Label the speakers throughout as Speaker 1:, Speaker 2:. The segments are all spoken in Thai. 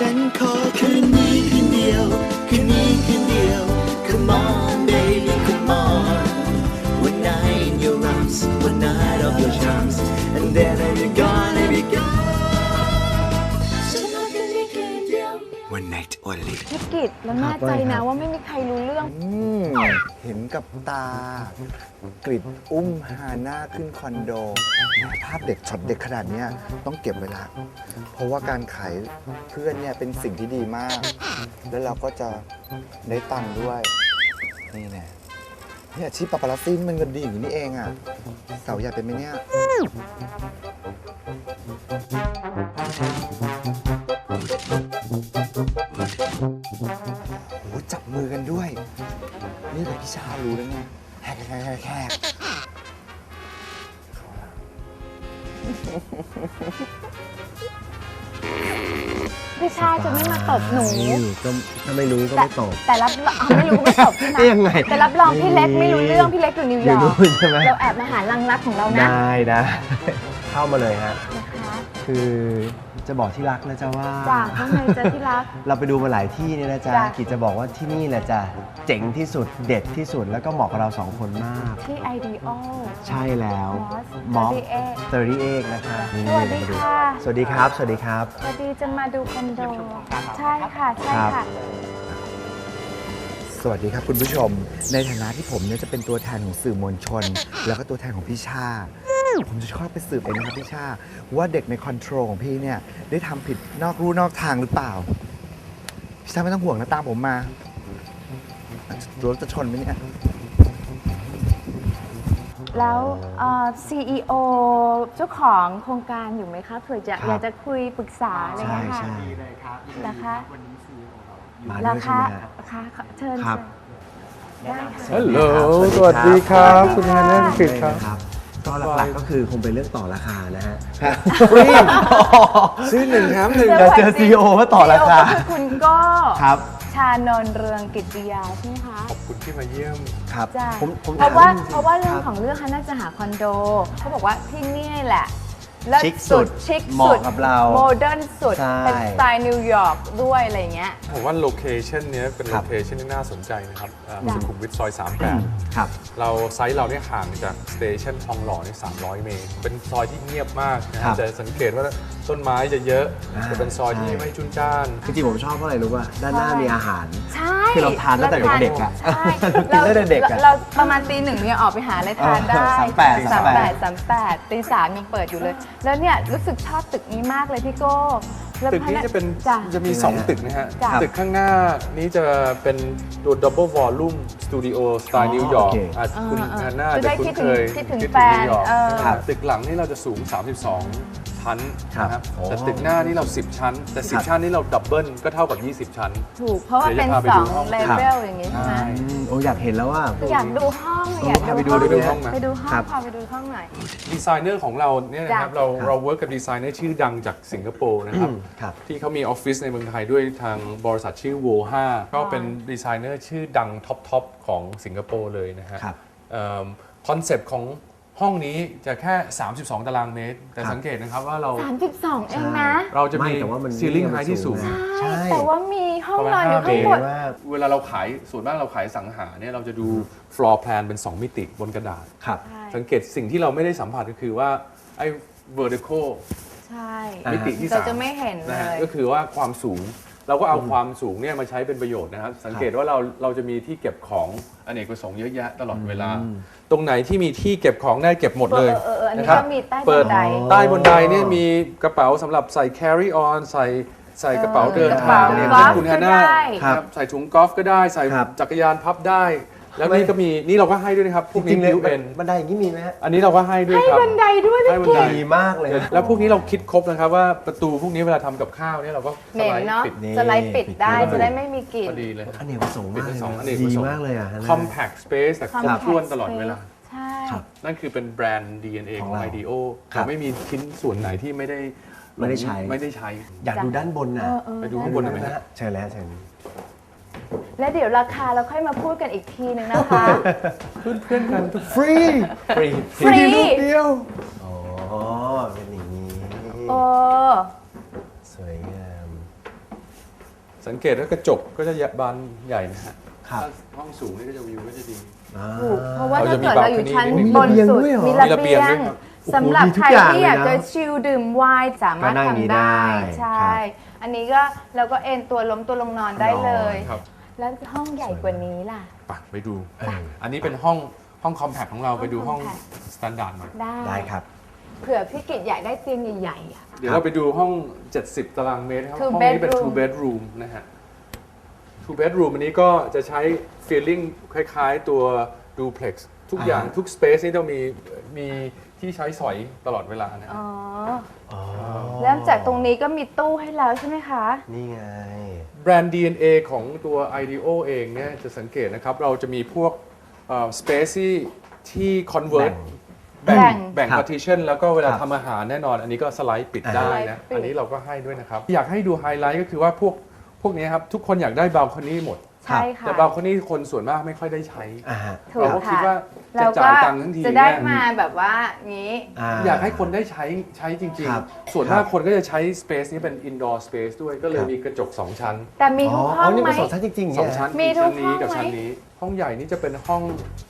Speaker 1: ฉันขอคืนนี้คืนเดียวคืนนี้คืนเดียว Come on baby come on One night in your arms One night of your charms And then I'll be gone I'll be gone ฉันขอคืนนี้คืนเดียว One night only
Speaker 2: พี่กิตแล้วแน่ใจนะว่าไม่มีใครรู้เรื่อง
Speaker 3: เห็นกับตากริดอุ้มฮาน่าขึ้นคอนโดภาพเด็ดช็อตเด็ดขนาดนี้ต้องเก็บไว้ละเพราะว่าการขายเพื่อนเนี่ยเป็นสิ่งที่ดีมาก แล้วเราก็จะได้ตังค์ด้วยนี่แน่เนี่ยอาชีพปาปารัสซี่มันเงินดีอย่างนี้เองอ่ะเสาใหญ่เป็นไหมเนี่ยโอ้จับมือกันด้วยนี่แบบพี่ชารู้แล้วไงแขก
Speaker 2: พี่ชาจะไม่มาตบหนู
Speaker 4: ก็ถ้าไม่รู้ก็ไม่ตบ
Speaker 2: แต่รับไม่รู้ก็ไม่ตบใช่ไหม
Speaker 4: ยังไง
Speaker 2: แต่รับรองพี่เล็กไม่รู้เรื่องพี่เล็กอยู่นิวยอร์กเราแอบมาหาลังรักของเรานะ
Speaker 4: ได้เข้ามาเลยฮะคือจะบอกที่รักนะจ๊ะว่า
Speaker 2: จากข้างในจะที่รัก
Speaker 4: เราไปดูมาหลายที่เนี่ยนะจ๊ะกิจจะบอกว่าที่นี่แหละจ้ะเจ๋งที่สุดเด็ดที่สุดแล้วก็เหมาะกับเราสองคนมาก
Speaker 2: ที่ Ideal
Speaker 4: ใช่แล้ว
Speaker 2: มอส
Speaker 4: 38นะคะ
Speaker 2: สวัสดีค่ะ
Speaker 4: สวัสดีครับสวัสดีครับ
Speaker 2: สวัสดีจะมาดูคอนโดใช่ค่ะใช่ค่ะ
Speaker 3: สวัสดีครับคุณผู้ชมในฐานะที่ผมเนี่ยจะเป็นตัวแทนของสื่อมวลชนแล้วก็ตัวแทนของพี่ชาผมจะชอบไปสืบเองนะครับพี่ชาว่าเด็กในคอนโทรลของพี่เนี่ยได้ทำผิดนอกลู่นอกทางหรือเปล่าพี่ชาไม่ต้องห่วงนะตามผมมารถจะชนไหมเนี่ย
Speaker 2: แล้วCEO เจ้าของโครงการอยู่ไหมคะเผื่อจะอยากจะคุยปรึกษาอะไรเงี้ยค่ะ
Speaker 4: ใช่
Speaker 2: นะคะ
Speaker 4: มาด้วยใช่ไหม
Speaker 2: ค่ะเชิญได้ค่ะ
Speaker 5: ฮัลโหลสวัสดีครับคุณฮาน่าคุณกิตครับ
Speaker 4: ก็หลักๆก็คือคงเป็นเรื่องต่อราคานะฮะ
Speaker 3: ฟรีซื้อ1 แถม 1
Speaker 4: เราเจอ CEO ก็ต่อราคา
Speaker 2: คุณก็
Speaker 4: ครับ
Speaker 2: ชานนท์เรืองกิตติยาใช่ไหมคะ
Speaker 5: ขอบคุณที่มาเยี่ยม
Speaker 4: ครับ
Speaker 2: เพราะว่าเรื่องของเรื่องฮาน่าจะหาคอนโดเขาบอกว่าที่นี่แหละ
Speaker 4: ชิคสุดเหมาะกับเรา
Speaker 2: โมเดิร์นสุดเป็นสไตล์นิวยอร์กด้วยอะไรเงี้ย
Speaker 5: ผมว่าโลเคชันนี้เป็นโลเคชันที่น่าสนใจนะครับสุขุมวิทซอย38
Speaker 4: ครับ
Speaker 5: เราไซต์เราเนี่ยห่างจากสเตชันทองหล่อนี่300 เมตรเป็นซอยที่เงียบมากนะจะสังเกตว่าต้นไม้จะเยอะจะเป็นซอยที่ไม่จุนจ้าน
Speaker 4: จริงๆผมชอบเพราะอะไรรู้ป่ะด้านหน้ามีอาหาร
Speaker 2: ใช่
Speaker 4: คือเราทานตั้งแต่เด็กๆอ่ะ
Speaker 2: เราตั้งแต่เด็กอ่ะเราประมาณตี 1เนี่ยออกไปหาอะไรทานได้38ตี 3ยังเปิดอยู่เลยแล้วเนี่ยรู้สึกชอบตึกนี้มากเลยพี่โก้
Speaker 5: ตึกนี้จะมี2ตึกนะฮะตึกข้างหน้านี้จะเป็นตัว Double Volume Studio สไตล์นิวยอร์กคุณฮาน่าจะคุ้นเคย
Speaker 2: คิดถึงแฟน
Speaker 5: ตึกหลังนี่เราจะสูง32 ชั้นนะครับแต่ตึกหน้านี่เรา10 ชั้นแต่10 ชั้นนี่เราดับเบิลก็เท่ากับ20 ชั้น
Speaker 2: ถูกเพราะว่าเป็น2เลเวลอย่างนี้ใช่ไหม
Speaker 4: โอ้อยากเห็นแล้วว่า
Speaker 2: อยากดูห้องอยาก
Speaker 5: ไปดูห้อง
Speaker 2: ไปดูห้องพาไปดูห้องหน่อย
Speaker 5: ดีไซเนอร์ของเราเนี่ยนะครับเราเวิร์กกับดีไซเนอร์ชื่อดังจากสิงคโปร์นะครับที่เขามีออฟฟิศในเมืองไทยด้วยทางบริษัทชื่อ Wo5 ก็เป็นดีไซเนอร์ชื่อดังท็อปของสิงคโปร์เลยนะฮะคอนเซปต์ของห้องนี้จะแค่32 ตารางเมตรแต่สังเกตนะครับว่าเรา
Speaker 2: 32เองนะ
Speaker 5: เราจะมีซีลิ่งไฮที่สูง
Speaker 2: ใช่แต่ว่ามีห้องนอนอยู่ข้างบน
Speaker 5: เวลาเราขายส่วนมากเราขายสังหาเนี่ยเราจะดู floor plan เป็น2 มิติบนกระดาษสังเกตสิ่งที่เราไม่ได้สัมผัสก็คือว่าไอ้ vertical
Speaker 2: ใช่
Speaker 5: มิติที่3
Speaker 2: เราจะไม่เห็นเลย
Speaker 5: ก็คือว่าความสูงเราก็เอาความสูงเนี่ยมาใช้เป็นประโยชน์นะครับสังเกตว่าเราจะมีที่เก็บของอเนกประสงค์เยอะแยะตลอดเวลาตรงไหนที่มีที่เก็บของได้เก็บหมดเลย
Speaker 2: นะครับ
Speaker 5: เปิดใต้บันไดเนี่ยมีกระเป๋าสำหรับใส่ carry on ใส่กระเป๋าเดินทางเนี่ยคุณฮาน่าใส่ถุงกอล์ฟก็ได้ใส่จักรยานพับได้แล้วนี่ก็มีนี่เราก็ให้ด้วยนะครับพวกนี้บิวเอ็น
Speaker 4: บันไดอย่างนี้มีไหมฮะ
Speaker 5: อันนี้เราก็ให้ด้วยครับ
Speaker 2: ให้บันไดด้วย
Speaker 5: ให้บันได
Speaker 4: ดีมากเลย
Speaker 5: แล้วพวกนี้เราคิดครบนะครับว่าประตูพวกนี้เวลาทำกับข้าวเนี่ยเราก็
Speaker 2: สไลด์ปิดได้จะได้ไม่มีกลิ่น
Speaker 5: พอดีเลย
Speaker 4: อันนี้ผสมมากดีมากเลยอ่ะ
Speaker 5: compact space แต่ครบถ้วนตลอดเวลา
Speaker 2: ใช่
Speaker 5: นั่นคือเป็นแบรนด์ DNA ของ IDEO เราไม่มีชิ้นส่วนไหนที่ไม่ได้ใช้
Speaker 4: อยากดูด้านบนนะ
Speaker 5: ไปดูข้างบนไหมฮะ
Speaker 4: ใช่แล้วใช่
Speaker 2: แล้วเดี๋ยวราคาเราค่อยมาพูดกันอีกทีนึงนะคะ
Speaker 5: เพื่อนกัน
Speaker 4: ฟรี
Speaker 5: ลูกเดียว
Speaker 4: อ๋อเป็นอย่างนี้สวยงาม
Speaker 5: สังเกตว่ากระจกก็จะบานใหญ่นะฮะ
Speaker 4: ครับ
Speaker 5: ถ้าห้องสูงนี่ก็จะวิวก็จะดี
Speaker 2: ถูกเพราะว่า
Speaker 5: เรา
Speaker 2: ถ้า
Speaker 5: จะมี
Speaker 2: เกิดเราอยู่ชั้น
Speaker 5: balcony
Speaker 2: บนสุด
Speaker 4: มี
Speaker 2: มี
Speaker 4: ระ
Speaker 2: ระ
Speaker 5: เบี
Speaker 2: เบี
Speaker 5: ย
Speaker 2: ย
Speaker 5: ง
Speaker 2: ง
Speaker 5: ด้วยครับ
Speaker 2: สำหรับ
Speaker 4: โอ้โหมีทุ
Speaker 2: ใค
Speaker 4: ก
Speaker 2: ร
Speaker 4: อย่าง
Speaker 2: ที่อยาก
Speaker 4: เลยนะ
Speaker 2: จะชิลดื่มไวน์สามารถ
Speaker 4: ก็นั่งนี้
Speaker 2: ทำได้
Speaker 4: ได้
Speaker 2: ใช่
Speaker 4: ครับ
Speaker 2: อันนี้ก็เราก็เอนตัวล้มตัวลงนอนได้เลย
Speaker 5: ครับ
Speaker 2: แล้วห้องใหญ่กว่านี้ล่ะ
Speaker 5: ไปดู อันนี้เป็นห้องคอมแพคของเราไปดูห้อง
Speaker 2: compact
Speaker 5: สแตนดาร์ดหน่อย
Speaker 4: ได้ครับ
Speaker 2: เผื่อพี่กิจอยากได้เตียงใหญ่ๆอะ
Speaker 5: เดี๋ยวเราไปดูห้อง 70 ตารางmครับ
Speaker 2: Two
Speaker 5: ห้องนี้เป็น
Speaker 2: bedroom
Speaker 5: two bedroom นะฮะ two bedroom อันนี้ก็จะใช้ feeling คล้ายๆตัว duplex ทุกอย่าง
Speaker 4: อ่า
Speaker 5: ทุก space นี่ต้องมีที่ใช้สอยตลอดเวลานะ
Speaker 2: อ๋อ
Speaker 4: อ๋อ
Speaker 2: เริ่มจากตรงนี้ก็มีตู้ให้แล้วใช่ไหมคะ
Speaker 4: นี่ไง
Speaker 5: แบรนด์ DNA ของตัว IDEO เองเนี่ยจะสังเกตนะครับ เราจะมีพวกspace ที่ convert
Speaker 2: แบ่ง
Speaker 5: แบ่ง
Speaker 4: ครับ
Speaker 5: partition แล้วก็เวลา
Speaker 4: ครับ
Speaker 5: ทำอาหารแน่นอน อันนี้ก็สไลด์ปิดได้นะ
Speaker 2: สไลด์ปิด
Speaker 5: อันนี้เราก็ให้ด้วยนะครับ อยากให้ดูไฮไลท์ก็คือว่าพวกนี้ครับ ทุกคนอยากได้บ a ลคอนี่หมด
Speaker 2: ใช่ค่ะ
Speaker 5: แต่บ a ลคอนี่คนส่วนมากไม่ค่อยได้ใช้
Speaker 4: อ่าฮะ
Speaker 2: ถู
Speaker 5: เรา
Speaker 2: ก
Speaker 5: ก็คิด
Speaker 2: ค่ะ
Speaker 5: ว่าจะ
Speaker 2: แล้ว
Speaker 5: จ่า
Speaker 2: ก็
Speaker 5: ยตังค์ทั้งที
Speaker 2: จะได้
Speaker 5: เนี่ย
Speaker 2: มาแบบว่างี้
Speaker 5: อยากให้คนได้ใช้จริง
Speaker 4: ครับ
Speaker 5: ๆ ส่วนมากคนก็จะใช้ space นี้เป็น indoor space ด้วยก็เลยมีกระจก 2 ชั้น
Speaker 2: แต่มีทุกห้อง
Speaker 4: นี่
Speaker 2: ไหม
Speaker 4: เป็นสองชั้นจริงๆ
Speaker 5: สอง
Speaker 4: เนี่ย
Speaker 5: ชั้น
Speaker 2: มี
Speaker 5: ชั้น
Speaker 2: ทุ
Speaker 5: นี้
Speaker 2: กห้อง
Speaker 5: กับชั้น
Speaker 2: ไหม
Speaker 5: นี้ ห้องใหญ่นี่จะเป็นห้อง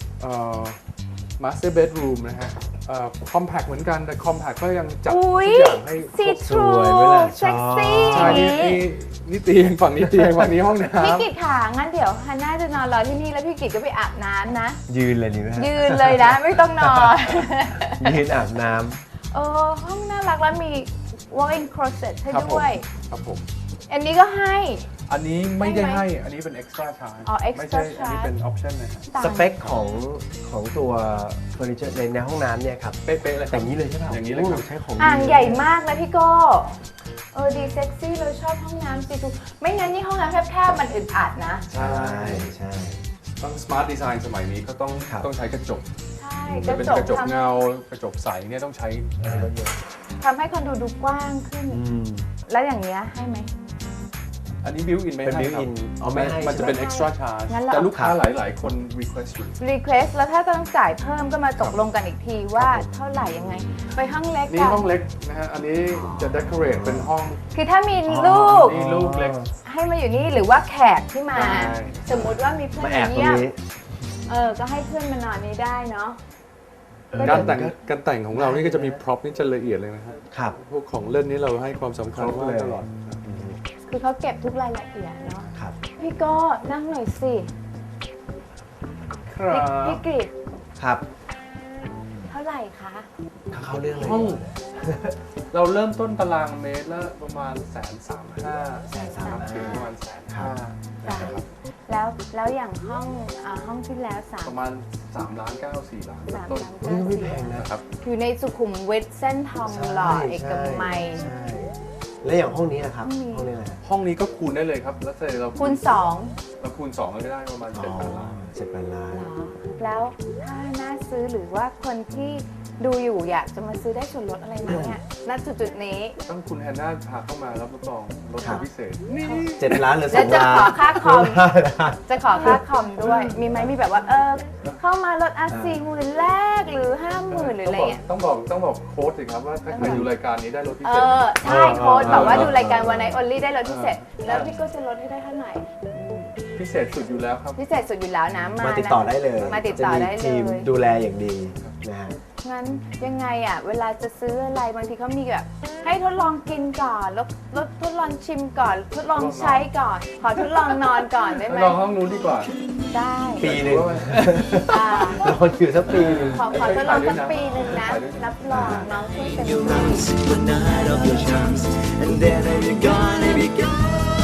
Speaker 5: master bedroom นะฮะcompact เหมือนกันแต่ compact ก็ยังจัดทุ
Speaker 2: อุ้ย
Speaker 5: กอย่างให้
Speaker 2: ซีทรู
Speaker 4: สวยเวลา
Speaker 2: เซ็กซี่
Speaker 5: ใช่นี่เตียงฝั่งนี้เตียงฝั่งนี้ห้องน้
Speaker 2: พี่กิจค่ะงั้นเดี๋ยวฮันน่าจะนอนรอที่นี่แล้วพี่กิจก็ไปอาบน้ำนะ
Speaker 4: ยืนเลยดีไหมฮะ
Speaker 2: ยืนเลยนะ ไม่ต้องนอน
Speaker 4: ยืนอาบน้
Speaker 2: ห้องน่ารักแล้วมี walk-in closet ให้
Speaker 5: ำครับผม
Speaker 2: ด้วย
Speaker 5: ครับผม
Speaker 2: อันนี้ก็ให้
Speaker 5: อันนี้ไม่ได้
Speaker 2: ให้ไหม
Speaker 5: ให้อันนี้เป็น extra charge
Speaker 2: อ๋อ
Speaker 5: ไม่
Speaker 2: extra
Speaker 5: ใช่อันนี้เป็น option นะฮะ
Speaker 4: ำสเปคของตัวเฟอร์นิเจอร์ในห้องน้ำเนี่ยครับ
Speaker 5: เป๊ะๆเลยค
Speaker 4: แต่
Speaker 5: รับ
Speaker 4: อย่างนี้เลยใช่ไหม
Speaker 5: อย่างนี้เลยครับ
Speaker 4: ใช้ของ
Speaker 2: อ่าง
Speaker 4: ดี
Speaker 2: ใหญ่มากนะพี่โก้ดีเซ็กซี่เราชอบห้องน้ำซีทูไม่งั้นนี่ห้องน้ำแคบๆมันอึดอัดนะ
Speaker 5: ใช่
Speaker 4: ใช่
Speaker 5: ต้อง smart design สมัยนี้ก็ต้อง
Speaker 4: ครับ
Speaker 5: ใช้กระจก
Speaker 2: ใช่
Speaker 5: จะเป็นกระจกเงากระจกใสเนี่ยต้องใช้เยอะ
Speaker 2: ทำให้คอนโดดูกว้างขึ้น
Speaker 4: อืม
Speaker 2: แล้วอย่างเงี้ยให้ไหม
Speaker 5: อันนี้ built in ไม่
Speaker 4: เป็น
Speaker 5: ให้
Speaker 4: built
Speaker 5: ครับ
Speaker 4: in อ๋อไม่ให้
Speaker 5: มันจะเป็น
Speaker 2: ใช่ไหม
Speaker 5: extra charge
Speaker 2: งั้นเรา
Speaker 5: แต่ลูกค้า
Speaker 4: ครับ
Speaker 5: หลาย ๆ คน request อยู่
Speaker 2: request แล้วถ้าต้องจ่ายเพิ่มก็มาตกลงกันอีกทีว่าเท่าไหร่ยังไง ไปห้องเล็ก
Speaker 5: นี่
Speaker 2: กัน
Speaker 5: ห้องเล็กนะฮะ อันนี้จะ decorate เป็นห้อง
Speaker 2: คือถ้ามีลูก
Speaker 5: นี่ลูกเล็ก
Speaker 2: ให้มาอยู่นี่หรือว่าแขกที่มา
Speaker 5: ใช่
Speaker 2: สมมุติว่ามีเพื่อน
Speaker 4: มาแอบ
Speaker 2: มา
Speaker 4: ตรง
Speaker 2: เยี่ยม
Speaker 4: นี้
Speaker 2: ก็ให้เพื่อนมานอนนี้ได้เนาะ
Speaker 5: การแต่งของเรานี่ก็จะมี prop นี่จะละเอียดเลยนะฮะ
Speaker 4: ครับ
Speaker 5: พวกของเล่นนี้เราให้ความสำคัญ
Speaker 4: ครบ
Speaker 5: มาก
Speaker 4: เลย
Speaker 5: ตลอด
Speaker 2: คือเขาเก็บทุกรายละเอียดเนาะ
Speaker 4: ครับ
Speaker 2: พี่ก็นั่งหน่อยสิ
Speaker 5: ครั
Speaker 2: พี่
Speaker 5: บ
Speaker 2: กริด
Speaker 4: ครับ
Speaker 2: เท่าไหร่คะ
Speaker 4: เข้าเรื่องเลย
Speaker 5: ห้อง เราเริ่มต้นตารางเมตรละประมาณ135,000
Speaker 4: 135,000
Speaker 5: ถึงประมาณ
Speaker 2: จ้ะ
Speaker 5: 150,000นะครับ
Speaker 2: แล้วอย่างห้องที่แล้วสาม
Speaker 5: ประมาณ3ล้าน9 4ล้าน
Speaker 2: สาม
Speaker 5: ต้น
Speaker 2: ล้าน
Speaker 4: นี่ก็ไม่แพงนะ
Speaker 5: นะครับ
Speaker 2: อยู่ในสุขุมวิทเส้นทองหล่อเอกมัย
Speaker 4: ใช่แล้วอย่างห้องนี้นะครับ
Speaker 2: ห้องนี้
Speaker 4: ห้องนี้อะไรฮะ
Speaker 5: ห้องนี้ก็คูณได้เลยครับ แล้วเสร็จเรา
Speaker 2: คูณสอง
Speaker 5: เราคูณ2ก็ได้ประมาณ7,000 ล้าน
Speaker 4: 7,000 ล้าน
Speaker 2: เหรอแล้วถ้าน่าซื้อหรือว่าคนที่ดูอยู่อยากจะมาซื้อได้ส่วนลดอะไรไหมเนี่ยณจุดนี้
Speaker 5: ต้องคุณแฮนนาพาเข้ามารับรองลดพิเศษ
Speaker 4: 7 ล้านหรือ
Speaker 2: แล้ว
Speaker 4: 2
Speaker 2: จะ
Speaker 4: ล้าน
Speaker 2: ขอค่าคอม
Speaker 4: ได้
Speaker 2: จะขอค่าคอมด้วย มีไหมมีแบบว่าเข้ามาลด40,000แรกหรือ 50,000หรืออะไรเงี้ย
Speaker 5: ต้องบอกโค้ดสิครับว่าถ้าใครดูรายการนี้ได้ลดพิเศษ
Speaker 2: ใช่โค้ดบอกว่าดูรายการวันไหนออลลี่ได้ลดพิเศษ แล้วพี่ก็จะลดให้ได้เท่าไหร่
Speaker 5: พิเศษสุดอยู่แล้วครับ
Speaker 2: พิเศษสุดอยู่แล้วนะ
Speaker 4: มาติดต่อได้เลย
Speaker 2: มาติดต่อได้
Speaker 4: จะมี
Speaker 2: เล
Speaker 4: ทีม
Speaker 2: ย
Speaker 4: ดูแลอย่างดีนะฮะ
Speaker 2: งั้นยังไงเวลาจะซื้ออะไรบางทีเขามีแบบให้ทดลองกินก่อนแล้วทดลองชิมก่อน ทดลองใช้ก่อน ขอทดลองนอนก่อนได้ไหม
Speaker 5: ลองห้องนู้นดีกว่า
Speaker 2: ได้
Speaker 4: ปีหนึ่ง
Speaker 2: อ่า
Speaker 4: นอนอยู่สักปีหนึ่ง
Speaker 2: ขอทดลองสักปีหนึ่งนะ รับรองน้องช่วยเต็ม
Speaker 1: Your
Speaker 2: ที่
Speaker 1: arms, one night of your charms, and then I'll be gone, I'll be gone.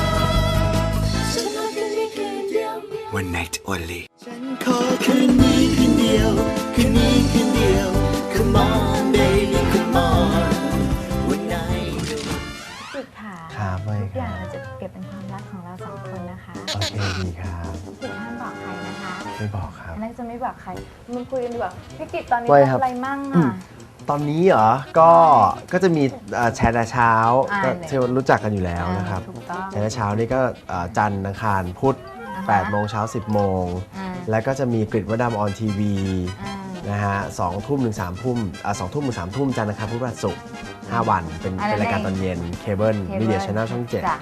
Speaker 1: One night only. ฉันขอคืนนี้คืนเดียวคืนนี้คืนเดียว Come on baby come on One night
Speaker 2: สุดค่ะ
Speaker 4: ครับไม่
Speaker 2: ทุก
Speaker 4: ค
Speaker 2: อย่า
Speaker 4: รั
Speaker 2: ง
Speaker 4: บ
Speaker 2: เราจะเก็บเป็นความลับของเราสองคนนะคะ
Speaker 4: โอเคดีครับ
Speaker 2: ถึงห้ามบอกใครนะคะ
Speaker 4: ไม่บอกครับ
Speaker 2: อันนั้นจะไม่บอกใครมันคุยกันดีกว่าพี่กิตตอนนี้
Speaker 4: ไว้
Speaker 2: ทำ
Speaker 4: ครับ
Speaker 2: อะไรมั่ง
Speaker 4: ตอนนี้เหรอ ก็จะมีแชร์แต่เช้า
Speaker 2: อ่า
Speaker 4: ก็ที่รู้จักกันอยู่แล้วนะครับ
Speaker 2: ถูกต้อง
Speaker 4: แชร์แต่เช้านี่ก็จันทร์อังคารพุธ
Speaker 2: อ่าฮะ
Speaker 4: 8 โมงเช้า 10 โมง
Speaker 2: อ่า
Speaker 4: แล้วก็จะมีกริดวดำออนทีวี
Speaker 2: อ่า
Speaker 4: นะฮะ2 ทุ่มถึง 3 ทุ่ม2 ทุ่มถึง 3 ทุ่มจันทร์อังคารพุธพฤหัสศุกร์5 วันเป็นรายการตอนเย็นเคเบิลมีเดียช n แนลช่อง 7
Speaker 2: จ้ะ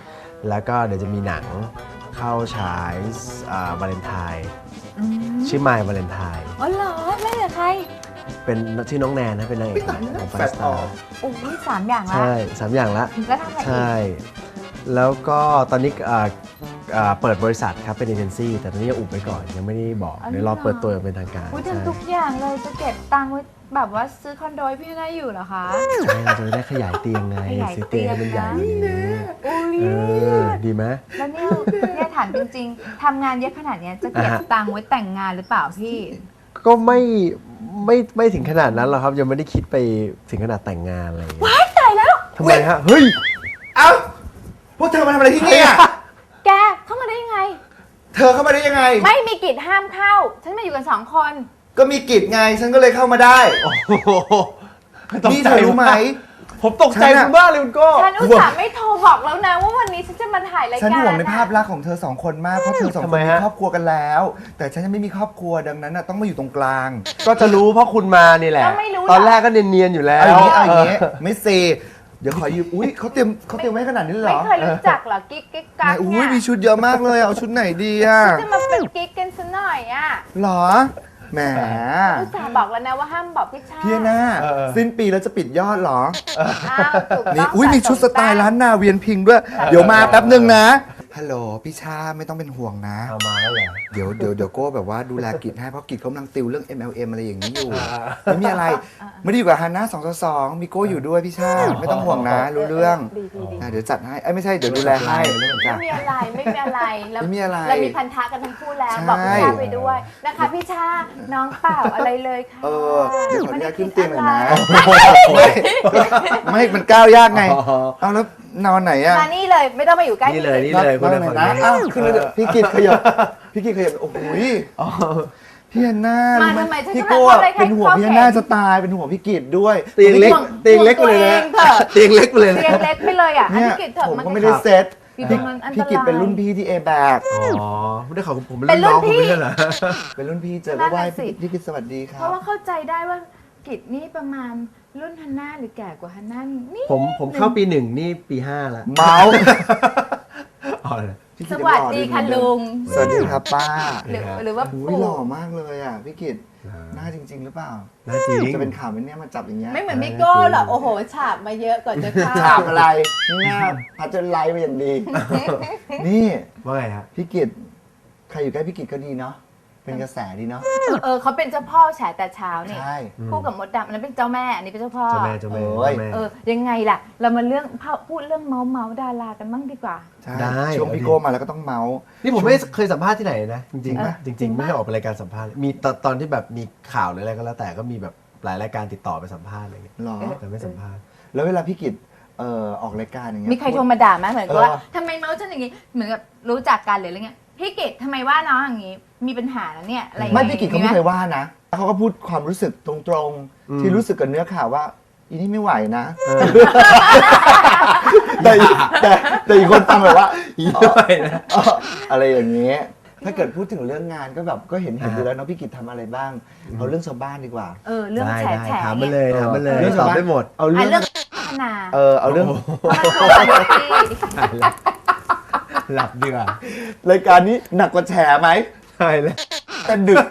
Speaker 4: แล้วก็เดี๋ยวจะมีหนังเข้าฉายวาเลนไทน์ชื่อ My Valentine
Speaker 2: อ๋อเหรอเล่นกับใคร
Speaker 4: เป็นชื่อน้องแนนนะเป็นนางเอกของ Five Star
Speaker 2: โอ้ย3 อย่างละ
Speaker 4: ใช่3 อย่างละ
Speaker 2: แล้วทำอะไรอีก
Speaker 4: ใช่ แล้วก็ตอนนี้เปิดบริษัทครับเป็นเอเจนซี่แต่ตอนนี้ยังอุบไว้ก่อนยังไม่ได้บอกเดี๋ยวรอเปิดตัวอย่างเป็นทางการ
Speaker 2: อุ้ย
Speaker 4: ใช่
Speaker 2: ทำทุกอย่างเลยจะเก็บตังค์ไว้แบบว่าซื้อคอนโดให้พี่ได้อยู่เหรอคะ
Speaker 4: ใช่เราจะได้ขยายเตียงไง
Speaker 2: ขยาย
Speaker 4: ซื้อเตียงให้มันใหญ่กว่านี้
Speaker 2: อุ้ย
Speaker 4: ดีไหม
Speaker 2: แล้วเนี่ยถามจริงๆทำงานเยอะขนาดเนี้ยจะเก็บตังค์ไว้แต่งงานหรือเปล่าพี่
Speaker 4: ก็ไม่ถึงขนาดนั้นหรอกครับยังไม่ได้คิดไปถึงขนาดแต่งงานอะไรอย่างเงี้ย
Speaker 2: ว้ายตายแล้ว
Speaker 4: ทำไมฮะเฮ้ย
Speaker 3: เอ้าพวกเธอมาทำอะไรที่นี่อ่ะ
Speaker 2: แกเข้ามาได้ยังไง
Speaker 3: เธอเข้ามาได้ยังไง
Speaker 2: ไม่มีกิจห้ามเข้า ฉันมาอยู่กัน2 คน
Speaker 3: ก็มีกิจไงฉันก็เลยเข้ามาได้ นี่เธอรู้ไหม
Speaker 4: ผมตกใจคุณบ้ากเลยคุณโก้
Speaker 2: ฉันอุตส่าห์ไม่โทรบอกแล้วนะว่าวันนี้ฉันจะมาถ่ายรายการ
Speaker 3: ฉันห่วงในภาพลักษณ์ของเธอ2 คนมาก เพราะเธอ2 คนมีครอบครัวกันแล้ว แต่ฉันยังไม่มีครอบครัวดังนั้นน่ะต้องมาอยู่ตรงกลาง
Speaker 4: ก็จะรู้เพราะคุณมานี่แหละ
Speaker 2: ก็ไม่รู้
Speaker 4: ตอนแรกก็เนียนๆอยู่แล้ว
Speaker 3: เอาอย่างนี้ไม่เซเดี๋ยวขอยืมอุ้ยเขาเตรียมไว้ขนาดนี้เลยเหร
Speaker 2: ไม่
Speaker 3: อ
Speaker 2: เคยรู้จักเหรอกิ๊กกิ๊กกั
Speaker 3: ไหน
Speaker 2: ก
Speaker 3: อุ้
Speaker 2: เนี่ย ย
Speaker 3: มีชุดเยอะมากเลยเอาชุดไหนดีอ่ะ
Speaker 2: จะมาเป็นกิ๊กกันซะหน่อยอ่ะ
Speaker 3: หรอแหม
Speaker 2: อุตส่าห์บอกแล้วนะว่าห้ามบอกพี่ชาติ
Speaker 3: พี่หน้าสิ้นปีแล้วจะปิดยอดเหรอ
Speaker 2: อ้าวถูกต้
Speaker 3: นี่
Speaker 2: อง
Speaker 3: อุ้ยมีชุดสไตล์ร้านนาเวียนพิงด้วย เดี๋ยวมาแป๊บนึงนะ ฮัลโหลพี่ชาไม่ต้องเป็นห่วงนะ
Speaker 4: เอามาแล้วเหรอ
Speaker 3: เดี๋ยวโก้แบบว่าดูแลกิจให้เพราะกิจเขากำลังติวเรื่อง MLM อะไรอย่างนี้อยู่ ไม่มีอะไร ไม่ได้อยู่กับฮันน่า222มีโก้อยู่ด้วยพี่ชาไม่ต้องห่วงนะรู้เรื่อง
Speaker 2: ดี
Speaker 3: เดี๋ยวจัดให้ไม่ใช่เดี๋ยวดูแลให้
Speaker 2: ไม่มีอะไรไม่มีอะไรแล้ว
Speaker 3: ไม่มีอะไร
Speaker 2: เรามีพันธะกันทั้งคู่แล้ว
Speaker 3: ใช่
Speaker 2: บอกพี่ชาไปด้วยนะคะพี่ชาน้องเปล่าอะไรเลยค่ะ
Speaker 3: เดี๋ยวขออนุญาตขึ้นเตียงหน่อยนะ
Speaker 2: ไม่
Speaker 3: ไม่มันก้าวยากไง เอาแล้วนอนไหนอะ
Speaker 2: มานี่เลยไม่ต้องมาอยู่ใกล้
Speaker 4: นี่เลย
Speaker 2: พี่
Speaker 4: นี่เลยคุณ
Speaker 3: น
Speaker 4: เล
Speaker 3: อย นไหน
Speaker 4: ฝั่ง
Speaker 3: นะ
Speaker 4: นี้
Speaker 3: อ้าวขึ้นเลยเถอะพี่กิจขยับโอ้โหพี่ฮันน่า
Speaker 2: มา
Speaker 3: รู้ไหม
Speaker 2: ทำไมฉัน
Speaker 3: พี่
Speaker 2: จะ
Speaker 3: โก้
Speaker 2: มาทำอะไรใคร
Speaker 3: เป็นห่วงพี่ฮันน่าจะตายเป็นห่วงพี่กิจด้วย
Speaker 4: เตียงเล็ก
Speaker 2: ห่วง
Speaker 4: เตียงเล็กไปเลยนะ
Speaker 2: ตัวเองเถอะ
Speaker 4: เตียงเล็กไปเลยนะ
Speaker 2: เตียงเล็กไปเลยอ่ะ
Speaker 3: เนี่ย
Speaker 2: พี่กิจเถอะ
Speaker 3: ผม
Speaker 2: มัน
Speaker 3: ก็ไม่ได้เซ็ต
Speaker 2: อยู่ตรงนั้นอันตราย
Speaker 3: พี่กิจเป็นรุ่นพี่ที่เอแบก
Speaker 4: อ๋อไม่ได้ขอผมเป็น
Speaker 2: เป็น
Speaker 4: รุ่นน้อง
Speaker 2: รุ่นพี่
Speaker 4: คุณไม่ใช่เหรอ
Speaker 3: เป็นรุ่นพี่เจอ
Speaker 2: นั่
Speaker 3: ก็
Speaker 2: น
Speaker 3: ไหว้
Speaker 2: น่ะสิ
Speaker 3: พี่กิจสวัสดีค
Speaker 2: เพ
Speaker 3: รับ
Speaker 2: ราะว่าเข้าใจได้ว่ากิจนี่ประมาณรุ่นฮันน่าหรือแก่กว่าฮันน่านี่
Speaker 4: ผมเข้าปี 1นี่ปี 5 แล้ว
Speaker 3: เมาส์
Speaker 4: อ๋อเลย
Speaker 3: พี่
Speaker 2: ส
Speaker 3: กิจ
Speaker 2: วัส
Speaker 3: ยังหล่อ
Speaker 2: ดี
Speaker 3: อยู่
Speaker 2: ค่ะ
Speaker 3: เหมือนเดิม
Speaker 2: ลุง
Speaker 3: สวัสดีครับป้า
Speaker 2: หรือว่า
Speaker 3: อุ้ย
Speaker 2: ปู่
Speaker 3: หล่อมากเลยอ่ะพี่กิจหน้าจริง ๆ หรือเปล่า
Speaker 4: น่าจริง
Speaker 3: จะเป็นข่าวไหมเนี่ยมาจับอย่างเงี้ย
Speaker 2: ไม่เหมือนพี่โก้หรอกโอ้โหฉาบมาเยอะก่อนจะเข้า
Speaker 3: ถามอะไรนี่หน้าพัชไลท์มาอย่างดี นี่
Speaker 4: ว่าไงฮะ
Speaker 3: พี่กิจใครอยู่ใกล้พี่กิจก็ดีเนาะเป็นกระแสดีเนาะ
Speaker 2: เขาเป็นเจ้าพ่อแฉแต่เช้านี่
Speaker 3: ใช่
Speaker 2: คู่กับมดดำอันนั้นเป็นเจ้าแม่อันนี้เป็นเจ้าพ่อ
Speaker 4: เจ้าแม่เจ้าแม่
Speaker 3: โอ้ย
Speaker 4: เจ้าแม่
Speaker 2: ยังไงล่ะ เรามาพูดเรื่องเมาส์ดารากันบ้างดีกว่า
Speaker 3: ใช่
Speaker 4: ได้
Speaker 3: ช่วงพี่โก้มาแล้วก็ต้องเมาส์
Speaker 4: นี่ผมไม่เคยสัมภาษณ์ที่ไหนนะ จริงๆนะ
Speaker 2: เออ
Speaker 4: จ
Speaker 2: จริ
Speaker 4: ริง
Speaker 2: ง
Speaker 4: ๆ
Speaker 2: ปะ
Speaker 4: ไม่ได้ออกไปรายการสัมภาษณ์มีตอนที่แบบมีข่าวหรืออะไรก็แล้วแต่ก็มีแบบหลายรายการติดต่อไปสัมภาษณ์อะไรอย่างเงี้ย
Speaker 3: หรอ
Speaker 4: แต่ไม่สัมภาษณ์
Speaker 3: แล้วเวลาพี่กิจออกรายการอย่างเงี้ย
Speaker 2: มีใครโทรมาด่าไหมเหมือนกับว่า
Speaker 3: เออ
Speaker 2: ทำไมเมาส์ฉันอย่างงี้เหมือนกับรู้จักกันหรืออะไรเงี้ยพี่กิตทำไมว่าน้องอย่างงี้ มีปัญหาแล้วเนี่ยอะไรอย่าง
Speaker 3: ไม่
Speaker 2: เงี้ย
Speaker 3: พี่กิจเขาไม่เคยว่านะเขาก็พูดความรู้สึกตรงๆ ที่รู้สึกกับเนื้อข่าวว่าอีนี่ไม่ไหวนะ แต่อีกคนฟังแบบว่าอีด้วยนะอะไรอย่างเงี้ยถ้าเกิดพูดถึงเรื่องงานก็แบบก็เห็นอยู่แล้วเนาะพี่กิจทำอะไรบ้างเอาเรื่องชาวบ้านดีกว่า
Speaker 2: เรื่อง
Speaker 4: ได้
Speaker 2: แฉ
Speaker 4: ได้
Speaker 2: แฉ
Speaker 4: ถามมา
Speaker 2: เนี่ย
Speaker 4: เลยถามมาเลย
Speaker 3: เรื่อง
Speaker 4: ตอบได้หมด
Speaker 3: เอา
Speaker 2: อ่ะ
Speaker 3: เรื่อง
Speaker 2: เรื่องพัฒนา
Speaker 3: เอาเรื่อง
Speaker 4: หลับดีกว่า
Speaker 3: รายการนี้หนักกว่าแฉไหม
Speaker 4: ใช่แล้ว
Speaker 3: แต่ดึก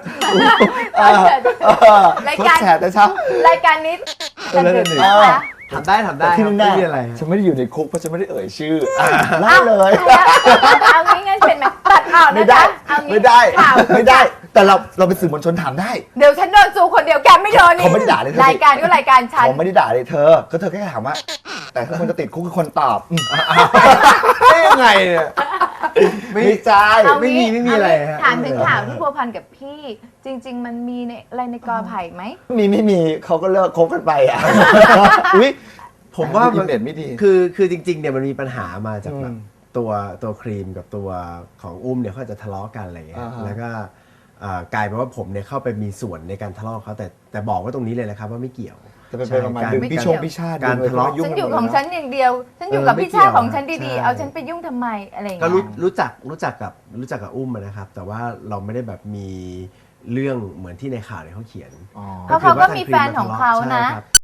Speaker 2: รายการ
Speaker 3: แฉแต่เช้าร
Speaker 2: ายการนี้จะดึก
Speaker 3: เอ
Speaker 2: นะ
Speaker 3: อ
Speaker 2: คะ
Speaker 4: ถามได้ถามได้
Speaker 3: ที่
Speaker 4: ครับ
Speaker 3: แน่
Speaker 4: ไม่มีอะไร
Speaker 3: ฉันไม่ได้อยู่ในคุกเพราะฉันไม่ได้เอ่ยชื่อเล่าเลย
Speaker 2: เอางี้งั้นเป็นไหมตัดออก
Speaker 3: ไม่
Speaker 2: นะ
Speaker 3: ได้
Speaker 2: จ๊ะเอางี้
Speaker 3: ไม่ได้
Speaker 2: ข่าว
Speaker 3: ไม่ได้ แต่เราเป็นสื่อมวลชนถามได้
Speaker 2: เดี๋ยวฉันโดนจูคนเดียวแกไม่โดนนี่
Speaker 3: เขาไม่ได้ด่าเลยเธอ
Speaker 2: รายการก็รายการฉัน
Speaker 3: ผมไม่ได้ด่าเลยเธอ ก็เธอแค่ถามว่า แต่ถ้าคนจะติดคุกคือคนตอบ
Speaker 4: ได้ยังไงเนี่ย
Speaker 3: ไม่ใช่
Speaker 2: เอา
Speaker 4: ไม่
Speaker 2: งี้
Speaker 4: มีอะไรฮะ
Speaker 2: ถามถึงข่าวที่พัวพันกับพี่ จริง ๆ มันมีในอะไรในกอไผ่ไหม
Speaker 3: ไม่มีเขาก็เลิกคบกันไปอ่ะอุ้ย
Speaker 4: ผมว่า
Speaker 3: อินเน็ตไม่ดี
Speaker 4: คือจริงๆเนี่ยมันมีปัญหามาจากแบบ
Speaker 3: อืม
Speaker 4: ตัวครีมกับตัวของอุ้มเนี่ยเขาจะทะเลาะกันอะไรอย่างเงี้ย
Speaker 3: อ่าฮะ
Speaker 4: แล้วก็กลายเป็นว่าผมเนี่ยเข้าไปมีส่วนในการทะเลาะเขาแต่บอกว่าตรงนี้เลยนะครับว่าไม่เกี่ยว
Speaker 3: จะเป็นประมาณดึงพี่ชงพี่ชาติ
Speaker 4: การทะเลาะ
Speaker 3: ยุ่
Speaker 2: ฉั
Speaker 3: ง
Speaker 2: นอยู่
Speaker 3: กั
Speaker 2: ของ
Speaker 3: หมด
Speaker 2: ฉั
Speaker 3: เล
Speaker 2: นอย่างเดียว ฉันอยู่กับ
Speaker 4: ไม่
Speaker 2: พี่ชาติ
Speaker 4: เกี่ยว
Speaker 2: ของฉันดี
Speaker 4: ใช่
Speaker 2: ๆ เอาฉันไปยุ่งทำไมอะไรอย่าง
Speaker 4: ก็
Speaker 2: เงี้ย
Speaker 4: รู้จักกับอุ้มอะนะครับ แต่ว่าเราไม่ได้แบบมีเรื่องเหมือนที่ในข่าวเนี่ยเขาเขียน
Speaker 3: อ๋อ
Speaker 2: เพราะเขาก็มีแฟนของเขานะ
Speaker 4: ใช่ครับ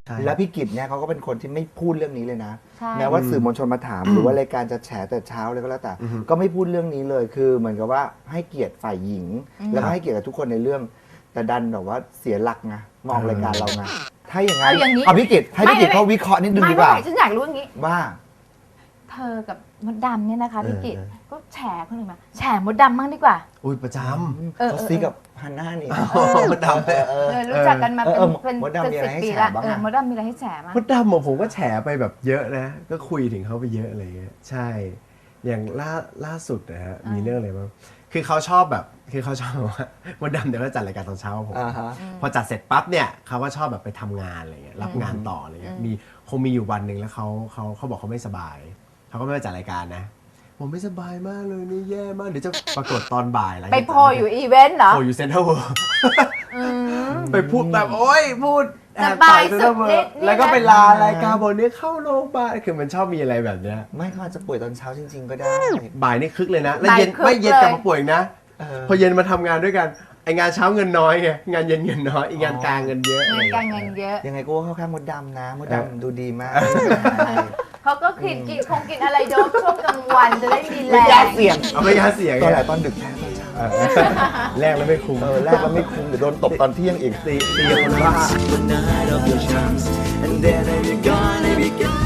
Speaker 4: ใช่
Speaker 3: แล้วพี่กิตเนี่ยเขาก็เป็นคนที่ไม่พูดเรื่องนี้เลยนะ
Speaker 2: ใช่
Speaker 3: แม้ว่าสื่อมวลชนมาถาม หรือว่ารายการจะแฉแต่เช้าเลยก็แล้วแต่ ก็ไม่พูดเรื่องนี้เลยคือเหมือนกับว่าให้เกียรติฝ่ายหญิง แล้วก็ให้เกียรติกับทุกคนในเรื่อง แต่ดันแบบว่าเสียหลักไงมองรายการเราไงถ้าอย่างนั้นเอาพี่กิตให้พี่กิตเขาวิเคราะห์นิดนึงดีกว่า
Speaker 2: ไม่ฉันอยากรู้อย่างนี้
Speaker 3: ว่า
Speaker 2: เธอกับมดดำเนี่ยนะคะพี่กิตก็แฉคนอื่นมาแฉมดดำบ้างดีกว่า
Speaker 4: อุ้ยประจ
Speaker 3: เขาซีกับฮันน่านี่
Speaker 4: ำมดดำเลย
Speaker 2: รู้จักกันมาเป็น
Speaker 3: มดดำมีอะไรให้
Speaker 2: 10 ปี
Speaker 3: แฉ
Speaker 2: ละ
Speaker 3: บ้างอะ
Speaker 2: มดดำมีอะไรให้แฉมั้ง
Speaker 4: มดดำผมก็แฉไปแบบเยอะนะ ก็คุยถึงเขาไปเยอะอะไรเงี้ยใช่ อย่างล่าสุดนะฮะมีเรื่องอะไรบ้างคือเขาชอบแบบคือเขาชอบว่ามดดำเดี๋ยวก็จัดรายการตอนเช้าผม
Speaker 3: อ่าฮะ
Speaker 4: พอจัดเสร็จปั๊บเนี่ยเขาก็ชอบแบบไปทำงานอะไรเงี้ยรับงานต่ออะไรเงี้ยคงมีอยู่วันหนึ่งแล้วเขาบอกเขาไม่สบายเขาก็ไม่มาจัดรายการนะผมไม่สบายมากเลยนี่แย่มากเดี๋ยวจะปรากฏตอนบ่ายอะไร
Speaker 2: ไปโพลอยู่อีเวนต์เหรอ
Speaker 4: โพลอยู่เซ็นทรัลเวิลด์ไปพูดแบบโอ๊ยพูดแอบ
Speaker 2: สบาย
Speaker 4: เซ็นทรัลเวิล
Speaker 2: สุดฤท
Speaker 4: ด์
Speaker 2: ธิ์นี่นะ
Speaker 4: แล้วก็ไปลารายการบอกเนี่ยเข้าโรงพยาบาลคือมันชอบมีอะไรแบบเนี้ย
Speaker 3: ไม่เขาอาจจะป่วยตอนเช้าจริง ๆ ก็ได้
Speaker 4: บ่ายนี่คึกเลยนะ แล้ว
Speaker 2: บ่าย
Speaker 4: เย็น
Speaker 2: คึก
Speaker 4: ไม่เย็น
Speaker 2: เลย
Speaker 4: กลับมาป่วยอีกนะ พอเย็นมาทำงานด้วยกันไองานเช้าเงินน้อยไงงานเย็นเงินน้อยอีกงานกลางเงินเยอะ
Speaker 2: เงินการเงินเยอะ
Speaker 3: ยังไงก็ว่าเข้าข้างมดดำนะมดดำดูดีมาก
Speaker 2: เขาก็คงกินอะไรโดบช่วงกลางวันจะได้มีแร
Speaker 3: ไม่ยาง เสี่ยง
Speaker 4: เอาไม่ยาเสียง
Speaker 3: ตอนไหน
Speaker 4: ไง
Speaker 3: ตอนดึกแพ้ตอนเช้า
Speaker 4: แรกแล้วไม่คุ้ม
Speaker 3: แรกแล้วไม่คุ้มเดี๋ยวโดนตบตอนเที่ยงอีก
Speaker 4: ตีกับคนบ้า
Speaker 1: One night of your charms, and then I'll be gone, I'll be gone.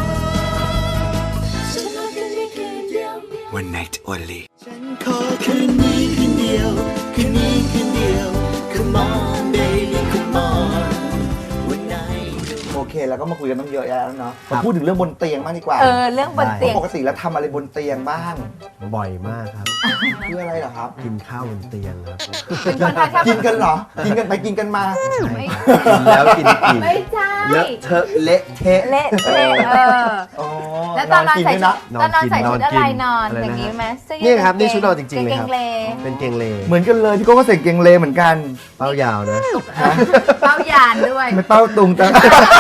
Speaker 1: One night only. ฉันขอคืนนี้คืนเดียวคืนนี้คืนเดียว Come on baby come on One night
Speaker 3: โอเคแล้วก็มาคุยกันต้องเยอะแยะแล้วเนาะมาพูดถึงเรื่องบนเตียงมากดีกว่า
Speaker 2: เรื่องบนเตียง
Speaker 3: ปกติแล้วทำอะไรบนเตียงบ้าง
Speaker 4: บ่อยมากครับ
Speaker 3: คืออะไรเหรอครับ
Speaker 4: กินข้าวบนเตียงครับ
Speaker 2: เป็นคนทานข้าว
Speaker 3: กินกันเหรอกินกันไปกินกันมา
Speaker 2: ไม่
Speaker 4: กินแล้วกินอีก
Speaker 2: ไม่ใช่
Speaker 4: เลอะเทอะเละเทะ
Speaker 2: เละเทะ
Speaker 3: อ๋อ
Speaker 2: แล้วตอนนอน
Speaker 3: กิ
Speaker 2: ใส่
Speaker 3: ด้วย
Speaker 2: ชุ
Speaker 3: นะ
Speaker 2: ดตอนนอนใส่ชุดอะไรนอน
Speaker 4: อะไรนะ
Speaker 2: อย่างนี้ไหมเสื้อยืด
Speaker 4: นี่ครับนี่ชุดนอนจริงๆเลยครับ
Speaker 2: กางเกงเล
Speaker 4: เป็นเกงเล
Speaker 3: เหมือนกันเลยพี่โก้ก็ใส่เกงเลเหมือนกัน
Speaker 4: เป้ายาวนะ
Speaker 2: เป้ายานด้วย
Speaker 3: ไม่เป้าตุงจัง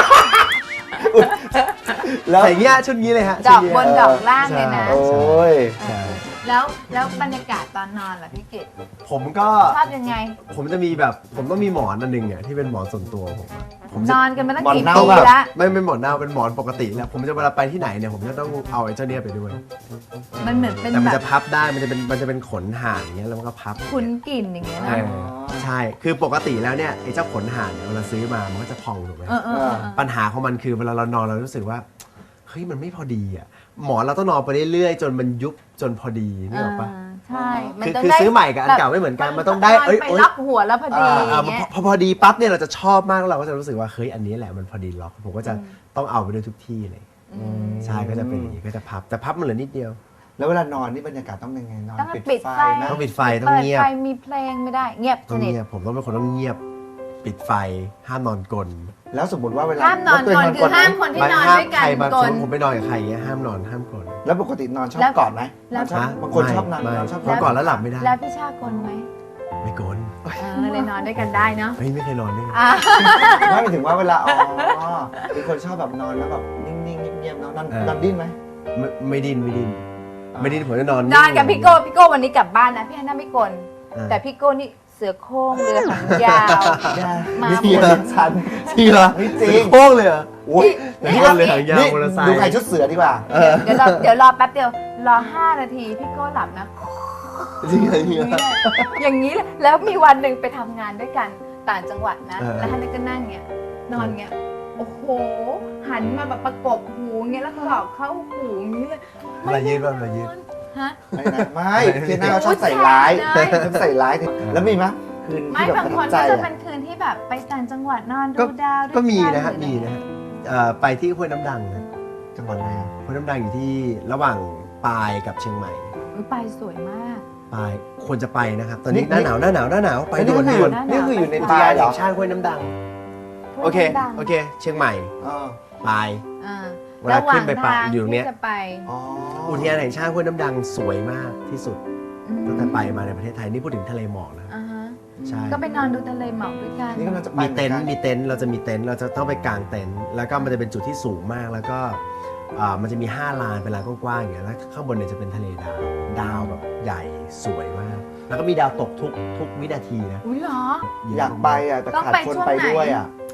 Speaker 3: แล้ว
Speaker 4: ใส่เงี้ยชุดนี้เลยฮะ
Speaker 2: ดอกบนดอกล่างเลยนะ
Speaker 3: โอ้ย
Speaker 4: ใช่
Speaker 2: แล้วบรรยากาศตอนนอนล่ะพี่กิต
Speaker 4: ผมก็
Speaker 2: ชอบยังไง
Speaker 4: ผมจะมีแบบผมต้องมีหมอนอันหนึงอ่ะที่เป็นหมอนส่วนตัวผมอะผม
Speaker 2: น
Speaker 4: จะ
Speaker 2: อนกันมาตั้งกี่
Speaker 3: หมอนเน่า
Speaker 2: ปี
Speaker 3: แบบ
Speaker 2: ละ
Speaker 4: ไม่เป็นหมอนเน่าเป็นหมอนปกติแล้วผมจะเวลาไปที่ไหนเนี่ยผมจะต้องเอาไอ้เจ้าเนี้ยไปด้วย
Speaker 2: มันเหมือนเป็น
Speaker 4: แต่มัน
Speaker 2: แบ
Speaker 4: จะ
Speaker 2: บ
Speaker 4: พับได้มันจะเป็นขนห่านอย่างเงี้ยแล้วมันก็พับ
Speaker 2: คุ้นกลิ่นอย่างเงี้ย
Speaker 4: เอ
Speaker 2: นะ
Speaker 4: อใช่คือปกติแล้วเนี่ยไอ้เจ้าขนห่านเนี่ยเวลาซื้อมามันก็จะพองถูกไหม ปัญหาของมันคือเวลาเรานอนเรารู้สึกว่าเฮ้ยมันไม่พอดีอ่ะหมอนเราต้องนอนไปเรื่อยๆจนมันยุบจนพอดีนึกออกปะ
Speaker 2: ใช่มัน
Speaker 4: คือ
Speaker 2: ต้ง
Speaker 4: คือ
Speaker 2: ได้
Speaker 4: ซื้อใหม่กับอันเก่าไม่เหมือนกันมันต้องได้
Speaker 2: ไปล็อกหัวแล้วพอดีอย่างเงี้ย
Speaker 4: พอดีปั๊บเนี่ยเราจะชอบมากแล้วเราก็จะรู้สึกว่าเฮ้ยอันนี้แหละมันพอดีล็อกผมก็จะต้องเอาไปด้วยทุกที่เลยใช่ก็จะเป็นอย่างนี้ก็จะพับแต่พับมันเหลือนิดเดียว
Speaker 3: แล้วเวลานอนนี่บรรยากาศต้องเป็นไงนอน
Speaker 2: ต้อง
Speaker 3: ปิด
Speaker 2: ปิด
Speaker 3: ไฟ
Speaker 2: ไฟ
Speaker 3: ไหม
Speaker 4: ต้องปิดไฟต้องเงียบ
Speaker 2: ปิดไฟมีเพลงไม่ได้เงียบส
Speaker 4: ต้อง
Speaker 2: นิท
Speaker 4: เงียบผมต้องเป็นคนต้องเงียบปิดไฟห้ามนอนกลน
Speaker 3: แล้วสมมติว่าเวลา
Speaker 2: ห้ามนอน
Speaker 3: แล้ว
Speaker 2: กลนคือห้ามคนที่นอนด้วยกัน
Speaker 4: ใครมาก
Speaker 2: ล
Speaker 4: สม
Speaker 2: น
Speaker 4: มติผมไปนอนกับใครอย่างเงี้ยห้ามนอนห้ามกลน
Speaker 3: แล้วปกตินอนชอบ
Speaker 2: แล้ว
Speaker 3: กอดไหม
Speaker 2: แล้ว
Speaker 3: ชอบ
Speaker 4: ฮะ
Speaker 3: บางคนชอบนอน
Speaker 4: ไม่
Speaker 3: ชอบ
Speaker 4: นอนก่อนแล้วหลับไม่ได้
Speaker 2: แล้วพี่ชากลไหม
Speaker 4: ไม่กลน
Speaker 2: เลยนอนด้วยกันได้เนาะ
Speaker 4: เฮ้ยไม่เคยนอนด้วย
Speaker 3: ไม่หมายถึงว่าเวลาเป็นคนชอบแบบนอนแล้วแบบนิ่งๆเงียบๆเนาะนอนดิ้นไหม
Speaker 4: ไม่ดิ้นผมจะนอน
Speaker 2: นอนกับพี่โก้วันนี้กลับบ้านนะพี่ฮันน่าไม่กลแต่พี่โก้นี่เสือโคร่งเรือหางยาว มาหมด
Speaker 3: นี่ฉัน
Speaker 4: จริงเหรอ
Speaker 3: ไม่จริง
Speaker 4: โค้งเลยเหรอ
Speaker 3: โอ้ย
Speaker 4: นี่ก็เลยหางยาว
Speaker 3: นี่
Speaker 4: มอเตอร์ไซค์
Speaker 3: ดูใครชุดเสือดีกว่า
Speaker 2: เดี๋ยวรอแป๊บเดียวรอ5 นาทีพี่โก้หลับนะ
Speaker 4: จริงเหรอจริงเหรอ
Speaker 2: อย่างนี้เลยแล้วมีวันหนึ่งไปทำงานด้วยกันต่างจังหวัดนะ
Speaker 4: เออ
Speaker 2: แล้วฮันน่าก็นั่งเงี้ยนอนเงี้ยโอ้โหหันมาแบบประกบหูเงี้ยแล้วก็บอกเข้าหูอย่างนี้เลย
Speaker 4: เวลายืดป่ะเวลายืด
Speaker 2: ฮะ
Speaker 3: ไม่เทียน่าเขาชอบใส่ร้าย
Speaker 2: ใช่
Speaker 3: ชอบใส่ร้ายแล้วมีไหมคืน
Speaker 2: ไม่
Speaker 3: ที่แบบ
Speaker 2: บาง
Speaker 3: ประ
Speaker 2: ค
Speaker 3: ทั
Speaker 2: น
Speaker 3: บใจ
Speaker 2: ก็จะ
Speaker 3: อะ
Speaker 2: เป็นคืนที่แบบไปต่างจังหวัดนอน
Speaker 4: ก็
Speaker 2: ดูดาวด้วย
Speaker 4: ก็มีนะ
Speaker 2: กั
Speaker 4: ฮะ
Speaker 2: หรือ
Speaker 4: มีนะฮะไปที่ห้วยน้ำดังนะ
Speaker 3: จังหวัดอะไรอะ
Speaker 4: ห้วยน้ำดังอยู่ที่ระหว่างปายกับเชียงใหม่
Speaker 2: อุ๊ยไปสวยมาก
Speaker 4: ปายควรจะไปนะครับ ตอนนี้หน้าหนาวไปด่วน
Speaker 3: นี่
Speaker 4: ด่วน
Speaker 3: นี่คืออยู่ใน
Speaker 4: อุท
Speaker 3: ปลาย
Speaker 4: าน
Speaker 3: เหร
Speaker 4: แห่
Speaker 3: อง
Speaker 4: ชาติห้วยน้ำดังโอเคเชียงใหม่
Speaker 3: อ๋อ
Speaker 4: ปาย
Speaker 2: อ่า
Speaker 4: เวลาขึ้นไปปะ
Speaker 2: ระหว่างทาง
Speaker 4: อยู่ตรงเนี้ย
Speaker 2: ที่จะไป
Speaker 3: อ๋อ
Speaker 4: อุทยานแห่งชาติห้วยน้ำดังสวยมากที่สุด
Speaker 2: อืม
Speaker 4: ตั้งแต่ไปมาในประเทศไทยนี่พูดถึงทะเลหมอกนะ
Speaker 2: อ่าฮะ
Speaker 4: ใช่
Speaker 2: ก็ไปนอนดูทะเลหมอกด้วยกัน
Speaker 3: นี่กำลังจะไป
Speaker 4: มีเต็นท์
Speaker 3: หอกั
Speaker 4: มีเต็นท์เราจะมีเต็นท์เราจะต้องไปกางเต็นท์แล้วก็มันจะเป็นจุดที่สูงมากแล้วก็มันจะมี5 ลานเป็นลานกว้างๆอย่างเงี้ยแล้วข้างบนเนี่ยจะเป็นทะเลดาวแบบใหญ่สวยมาก แล้วก็มีดาวตกทุกวินาทีนะ
Speaker 2: อุ้ยเหรอ
Speaker 3: อยากไปอ่ะแต่
Speaker 2: ต้อง
Speaker 3: ขาด
Speaker 2: ไป
Speaker 3: คน
Speaker 2: ช่วง
Speaker 3: ไป
Speaker 2: ไหน
Speaker 3: ด้วยอ่ะ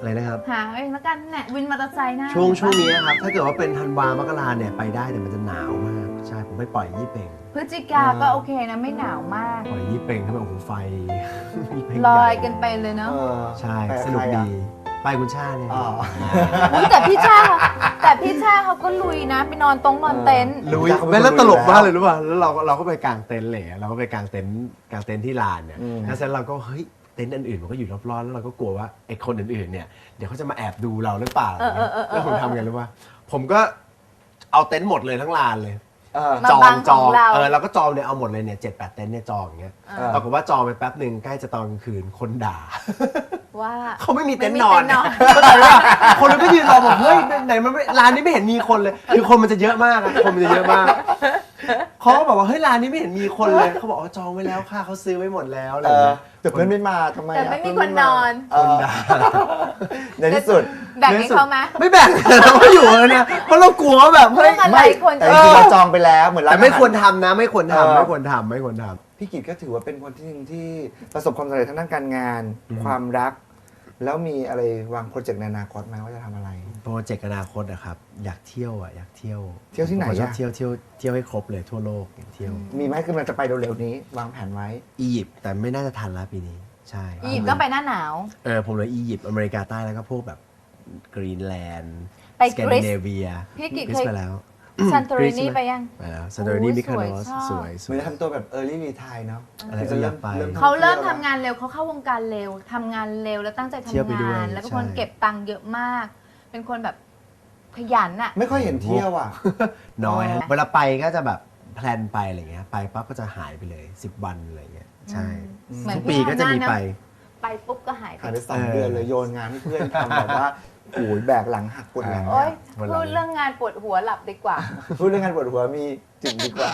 Speaker 4: อะไรนะครับ
Speaker 2: หาเองแล้วกันเนี่ยวินมอเตอร์ไซค์หน้า
Speaker 4: ช่วงนี้ครับถ้าเกิดว่าเป็นธันวามกราเนี่ยไปได้แต่มันจะหนาวมากใช่ผมไปปล่อยยี่เป่ง
Speaker 2: พฤศจิกาก็โอเคนะไม่หนาวมาก
Speaker 4: ปล่อยยี่เป่งเข้าไปโอ้โหไฟยี่เป่ง
Speaker 2: ลอย
Speaker 4: ใหญ่
Speaker 2: กันไปเลยเนาะ
Speaker 4: ใช่สนุกดีไปคุณชาเนี่ย
Speaker 2: อุ๊ยแต่พี่ชาเขาก็ลุยนะไปนอนนอนเต็นท์
Speaker 4: ลุยแล้วตลกมากเลยรู้ป่ะแล้วเราก็ไปกางเต็นท์เลยเราก็ไปกางเต็นท์ที่ลานเนี่ยแล้วเสร็จเราก็เฮ้ยเต็นท์อื่นๆมันก็อยู่รอบๆแล้วเราก็กลัวว่าไอ้คนอื่นๆเนี่ยเดี๋ยวเขาจะมาแอบดูเราหรือเปล่าแล้วผมทำไงรู้ป่ะผมก็เอาเต็นท์หมดเลยทั้งลานเลย จองเราก็จองเนี่ยเอาหมดเลยเนี่ย7-8 เต็นท์เนี่ยจองอย่างเงี้ยปรากฏว่าจองไปแป๊บหนึ่งใกล้จะตอนกลางคืนคนด่า
Speaker 2: ว่า
Speaker 4: เขาไม่มีเต็นท์นอนเข้าใจป่ะคนก็ยืนรอบอกเฮ้ยไหนมันร้านนี้ไม่เห็นมีคนเลยคือคนมันจะเยอะมากคนมันจะเยอะมากเขาก็บอกว่าเฮ้ยร้านนี้ไม่เห็นมีคนเลยเขาบอกว่าจองไว้แล้วค่ะเขาซื้อไว้หมดแล้วอะไรเงี้ย
Speaker 3: แต่เพื่อนไม่มาทำไม
Speaker 2: แต่ไม่มีคนนอน
Speaker 3: คนด่าในที่สุด
Speaker 2: แบ่งให้เขาไหม
Speaker 4: ไม่แบ่งเราก็อยู่เลยเนี่ยเพราะเรากลัวว่าแบบเฮ้ย
Speaker 2: เรื่องอะไร
Speaker 3: ไม่
Speaker 2: คน
Speaker 3: แต่จริงๆเราจองไปแล้วเหมือนร้าน
Speaker 4: แต่ไม่
Speaker 3: อาหา
Speaker 4: ควรทำนะไม่ควรทำไม่ควรทำไม่ควรทำ
Speaker 3: พี่กิตก็ถือว่าเป็นคนที่หนึ่งที่ประสบความสำเร็จทางด้านการงาน ความรัก แล้วมีอะไรวางโปรเจกต์ในอนาคตไหมว่าจะทำอะไร
Speaker 4: โปรเจกต์อนาคตอะครับอยากเที่ยวอยากเที่ยว
Speaker 3: เที่ยวที่ไหน
Speaker 4: ผมชอบ
Speaker 3: อะ
Speaker 4: เที่ยวให้ครบเลยทั่วโลกอยากเที่ยว
Speaker 3: มีไหมคือมันจะไปเร็วๆนี้ วางแผนไว้
Speaker 4: อียิปต์แต่ไม่น่าจะทันแล้วปีนี้ใช่
Speaker 2: อียิปต์ก็ไปหน้าหนาว
Speaker 4: ผมเลยอียิปต์อเมริกาใต้แล้วก็พวกแบบกรีนแลนด์
Speaker 2: ไป
Speaker 4: สแกน
Speaker 2: กรี
Speaker 4: ดิ
Speaker 2: ซ
Speaker 4: เนเวีย
Speaker 2: พี่กิต
Speaker 4: กรี
Speaker 2: เค
Speaker 4: ซ
Speaker 2: ย
Speaker 4: ไปแล้ว
Speaker 2: ซันโตรินี
Speaker 4: กรีซ
Speaker 2: ไปยัง
Speaker 4: ไปแล้วซันโตรินี
Speaker 2: โอ้ย
Speaker 4: มิคาโน
Speaker 2: สวย
Speaker 4: ส
Speaker 2: ชอบ
Speaker 4: สวย
Speaker 3: เหมือนจะทำตัวแบบ early retire เนาะ
Speaker 4: อะไร
Speaker 3: คือจะเริ่ม
Speaker 4: อยากไป
Speaker 2: เขาเริ่มทำงานเร็วเขาเข้าวงการเร็วทำงานเร็วแล้วตั้งใจ
Speaker 4: เที่ยวไป
Speaker 2: ทำ
Speaker 4: ด้วย
Speaker 2: งาน แล้วเป็นคน
Speaker 4: ใช่
Speaker 2: เก็บตังค์เยอะมาก เป็นคนแบบขยันอะ
Speaker 3: ไม่ค่อยเห็นเที่ยวอ่ะ
Speaker 4: น้อย
Speaker 2: อ๋อ
Speaker 4: เวลาไปก็จะแบบแพลนไปอะไรเงี้ยไปปั๊บก็จะหายไปเลย10 วันอะไรเงี้ยใช่
Speaker 2: เหมือน
Speaker 4: ทุกปีก็จะมีไป
Speaker 2: ไปปุ๊บก็หายไป
Speaker 3: หายไป2 เดือนเลยโยนงานให้เพื่อนทำแบบว่าโอ้ยแบกหลังหักปวดหลัง
Speaker 2: โอ๊ย
Speaker 4: วันหลัง
Speaker 2: พูดเรื่องงานปวดหัวหลับดีกว่า
Speaker 3: พูดเรื่องงานปวดหัวมีจุดดีกว่า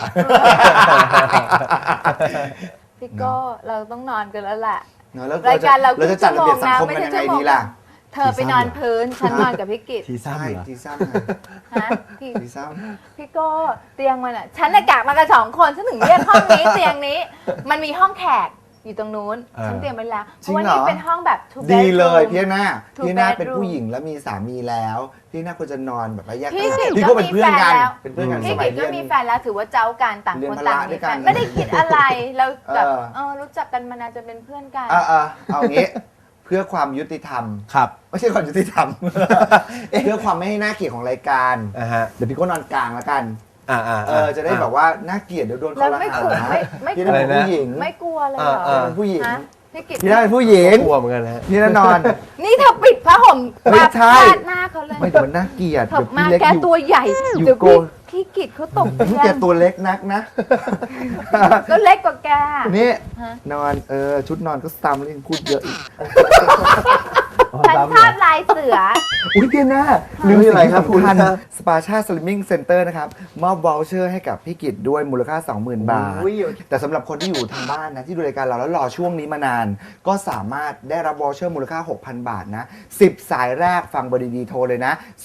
Speaker 2: พี่โก้เราต้องนอนกันแล้วแหละ
Speaker 3: เนอะแล้ว
Speaker 2: รายการเรา
Speaker 3: จะจัดระเบียบสังคมกันยังไงดีล่ะ
Speaker 2: เธอไปนอนพื้น ฉันนอนกับพี่กิต
Speaker 4: ทีซ้ำ
Speaker 3: ใช่
Speaker 4: เหรอ
Speaker 3: ทีซ้
Speaker 2: ฮะพี่
Speaker 3: ำทีซ้
Speaker 2: พี่โก้เตียงมันอ่ะ ฉันน่ะกะมากัน2 คนฉันถึงเรียกห้องนี้ เตียงนี้ มันมีห้องแขกอยู่ตรงนู้น ฉันเตรียมไว้แล้ว เพราะว่านี่เป็นห้องแบบ two
Speaker 3: ำดีเลย
Speaker 2: bedroom
Speaker 3: พี่หน้า
Speaker 2: Two
Speaker 3: พี่หน้า
Speaker 2: bedroom
Speaker 3: เป็นผู้หญิงแล้วมีสามีแล้ว พี่หน้าควรจะนอนแบบว่าแยก
Speaker 2: พี่กิต
Speaker 3: พี่
Speaker 2: ก็
Speaker 3: ก็เป็น
Speaker 2: มี
Speaker 3: เพื่อนกัน
Speaker 2: แฟนแล้ว
Speaker 3: เป็นเพื่อนกันส
Speaker 2: พี่
Speaker 3: มั
Speaker 2: กิ
Speaker 3: ย
Speaker 2: ต
Speaker 3: เรี
Speaker 2: ก็
Speaker 3: ยน
Speaker 2: มีแฟนแล้วถือว่าเจ้ากันต่าง
Speaker 3: เรีย
Speaker 2: คน น
Speaker 3: พ
Speaker 2: ต่าง
Speaker 3: ละด้
Speaker 2: มี
Speaker 3: วย
Speaker 2: แฟ
Speaker 3: กัน
Speaker 2: นไม่ได้คิดอะไรแล้วแบบ
Speaker 3: เออ
Speaker 2: รู้จักกันมานานจะเป็นเพื่อนกัน
Speaker 3: เอางี้ เพื่อความยุติธรรม
Speaker 4: ครับ
Speaker 3: ไม่ใช่ความยุติธรรม เพื่อความไม่ให้น่าเกลียดของรายการ
Speaker 4: ฮะ
Speaker 3: เดี๋ยวพี่ก็นอนกลางแล้วกัน จะได้แบบว่าน่าเกลียดเดี๋ยวโดน
Speaker 2: แล้
Speaker 3: เขา
Speaker 2: ว
Speaker 3: ละ
Speaker 2: ไม่
Speaker 3: หาก
Speaker 2: ลัว
Speaker 3: นะ
Speaker 2: ไม่
Speaker 3: พี่น่าเป็นผู้หญิง
Speaker 2: ไม่กลัวเลยเหรอ
Speaker 3: เป็นผู้หญิง
Speaker 2: ฮะพี่กิต
Speaker 3: พี่น่าเป็นผู้หญิง
Speaker 4: กลัวเหมือนกันนะฮะ
Speaker 3: พี่น่านอน
Speaker 2: นี่เธอปิดผ้าห่ม
Speaker 3: ไม่
Speaker 2: มา
Speaker 3: ใช่
Speaker 2: พาดหน้าเขาเลย
Speaker 3: ไม่แต่มันน่าเกลียด
Speaker 2: เธอ
Speaker 3: เดี๋ยว
Speaker 2: มา
Speaker 3: พี่เล็ก
Speaker 2: แก
Speaker 3: อยู่
Speaker 2: ตัวใหญ่
Speaker 3: อยู่
Speaker 2: เดี๋ยว
Speaker 3: โก
Speaker 2: พี่กิตเขาตก
Speaker 3: พี่
Speaker 2: ใจ
Speaker 3: แกตัวเล็กนักนะ
Speaker 2: ก็เล็กกว่าแก
Speaker 3: นี่
Speaker 2: ฮะ
Speaker 3: นอนชุดนอนก็ซ้ำแล้วยังพูดเยอะอีก
Speaker 2: ฉันชอบลายเสือ
Speaker 3: อุ้ยพี่หน้าลืม
Speaker 4: นี่
Speaker 3: สิ่
Speaker 4: อะไร
Speaker 3: ง
Speaker 4: ครับ
Speaker 3: สำคัญ
Speaker 4: คุณ
Speaker 3: สปาชาสลิมมิ่งเซ็นเตอร์นะครับ มอบวอลเชอร์ให้กับพี่กิตด้วยมูลค่า 20,000 บาท
Speaker 4: อุ้ย
Speaker 3: แต่สำหรับคนที่อยู่ทางบ้านนะที่ดูรายการเราแล้วรอช่วงนี้มานาน ก็สามารถได้รับวอลเชอร์มูลค่า 6,000 บาทนะ 10 สายแรกฟังเบอร์ดีๆโทรเลยนะ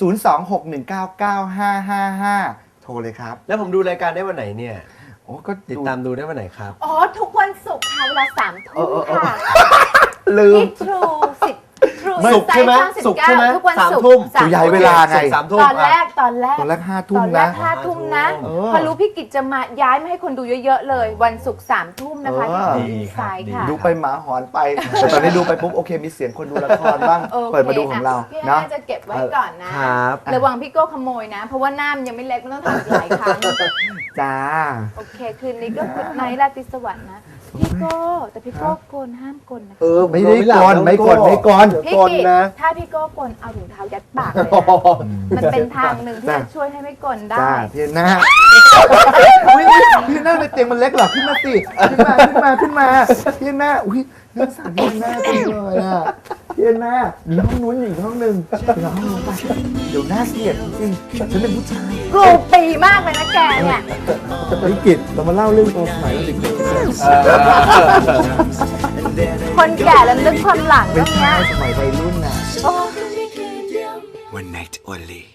Speaker 3: 026199555 โทรเลยครับ
Speaker 4: แล้วผมดูรายการได้วันไหนเนี่ย
Speaker 3: โอ้ก็
Speaker 4: ติดตามดูได้วันไหนครับ
Speaker 2: อ๋อ ทุกวันศุกร์ค่ะเวลา3 ทุ่มค่ะ
Speaker 3: ลืม
Speaker 2: ที่ทรู10
Speaker 4: ศุกร์ใช่ไหมศุกร์ใช่ไหม
Speaker 2: ทุกวัน
Speaker 4: 3
Speaker 2: ศุกร์
Speaker 4: ทุ่ม
Speaker 3: สุยายเวลาไง
Speaker 4: 3 ทุ่ม
Speaker 2: ตอนแรก
Speaker 3: ตอนแรก5 ทุ่
Speaker 2: ต
Speaker 3: ม
Speaker 2: อนแร
Speaker 3: นะ
Speaker 2: ก5 ทุ่มนะ
Speaker 3: เออ
Speaker 2: พอรู้พี่กิจจะมาย้ายมาให้คนดูเยอะๆเลย วันศุกร์3 ทุ่มนะคะ
Speaker 3: เออ
Speaker 2: ที่ดีไซน์ค่ะ
Speaker 3: ดูไปหมาหอนไป แต่ตอนนี้ดูไปปุ๊บโอเคมีเสียงคนดูละครบ้าง
Speaker 2: โอค
Speaker 3: เปิดมาดูของเรา
Speaker 2: พี่
Speaker 3: เนาะ
Speaker 2: น่าจะเก็บไว้ก่อนนะครับ ระวังพี่โก้ขโมยนะ เพราะว่าหน้ามันยังไม่เล็กมันต้องทำอีกหลายครั้ง
Speaker 3: จ้า
Speaker 2: โอเค คืนนี้ก็กุดไนท์ราตรีสวัสดิ์นะ พี่โก้แต่พี่โก้โกนห้ามโกนนะ
Speaker 3: ไม่ได้ก่อนไม่ก่อนไม่ก่อน
Speaker 2: พี่กิจถ้าพี่โก้โกนเอาถุงเท้ายัดปากเลยนะมันเป็นทางหนึ่งที่จะช่วยให้ไม่โกนได้
Speaker 3: จ้าพี่หน้าอุ้ยพี่หน้าในเตียงมันเล็กเหรอขึ้นมาสิขึ้นมาพี่หน้าอุ้ยน่าสั่นพี่หน้าจังเลยอ่ะพี่หน้ามีห้องนู้นอีกห้องหนึ่งเดี๋ยวห้องนู้นไปเดี๋ยวน่าเกลียดจริงฉันเป็นผู้ชาย
Speaker 2: กรูปีมากเลยนะแกเนี่ย
Speaker 3: วิกฤตเรามาเล่าเรื่องตัวสมัยเด็ก
Speaker 2: คนแก่แล้วนึกความหลัง
Speaker 3: ๆ
Speaker 2: ตรงเนี้ย
Speaker 3: สมัยวัยรุ่นน่ะ
Speaker 2: โอ้
Speaker 1: One night only